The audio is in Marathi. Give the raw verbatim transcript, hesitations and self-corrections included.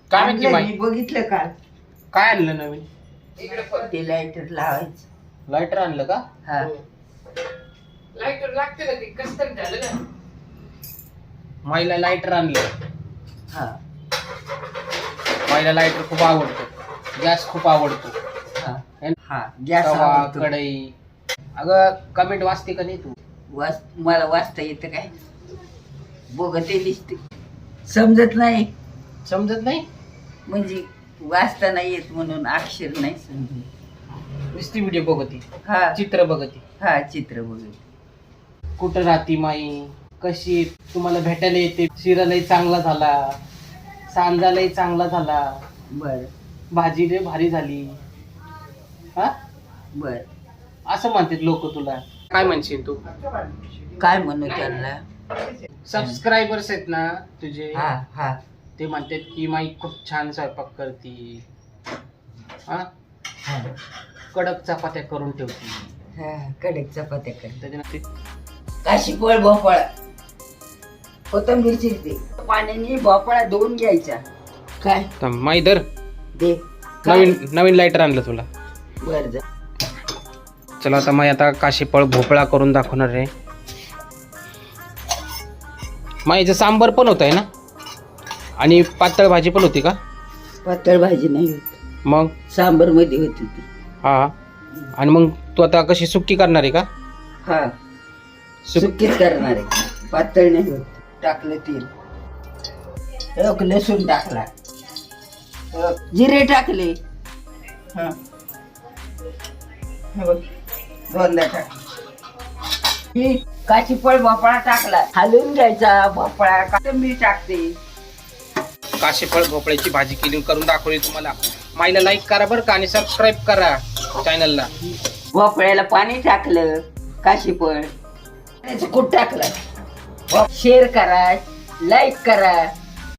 काय माहिती आणलं माई मी बघितलं का काय आणलं नवीन? ते लायटर लावायचं. लायटर आणलं का? हा लाईटर लागते ना, ते कसं तरी झालं ना. माईला लायटर आणलं. हा माईला लायटर खूप आवडतो, गॅस खूप आवडतो. हा है ना? हा गॅस तवा, आवडतो. कढई. अगं कमेंट वाचते का नाही तू? वाच मला वाचता येतं काय? बघते दिसते, समजत नाही. समजत नाही? म्हणजे वाचता नाही येत म्हणून अक्षर नाही समजत. नुसती व्हिडिओ बघती, हा चित्र बघती. हा चित्र बघत. कुठं राहती माई, कशी तुम्हाला भेटायला येते. शिरालाही चांगला झाला, सांजालाही चांगला झाला, बर भाजी लय भारी झाली. हा बर असं म्हणतात लोक तुला. काय म्हणशील तू? काय म्हणू त्यांना? सबस्क्रायबर्स आहेत ना तुझे, हा हा ते म्हणतात की माई खूप छान स्वयंपाक करती, हा हा कडक चपात्या करून ठेवती. हा कडक चपात्या कर. त्याच्यानंतर काशी फळ भोपळा कोथिंबीर चिरते पाण्याने भोपळा धुवून घ्यायचा. काय माई दर दे नवीन नवीन लायटर आणलं तुला. बर जा. चला आता माई आता काशीफळ भोपळा करून दाखवणार आहे. माईचं सांबर पण होत आहे ना, आणि पातळ भाजी पण होती का? पातळ भाजी नाही होत, मग सांबर मध्ये होती ती. हा, आणि मग तू आता कशी सुक्की करणार आहे का? हा सुक सुकीच करणार आहे, पातळ नाही होत. टाकलं तेल, एक लसूण टाकला, एक जिरे टाकले. हा हे बघ, दोनदा टाकले. काशीफळ भोपळा टाकला, हलवून घ्यायचा भोपळा. का मी टाकते. काशीफळ भोपळ्याची भाजी केली करून दाखवली तुम्हाला. माईला लाईक करा बरं का, आणि सबस्क्राईब करा चॅनलला. भोपळ्याला पाणी टाकलं, काशीफळ त्याचं कूट टाकलं. शेअर करा, लाईक करा.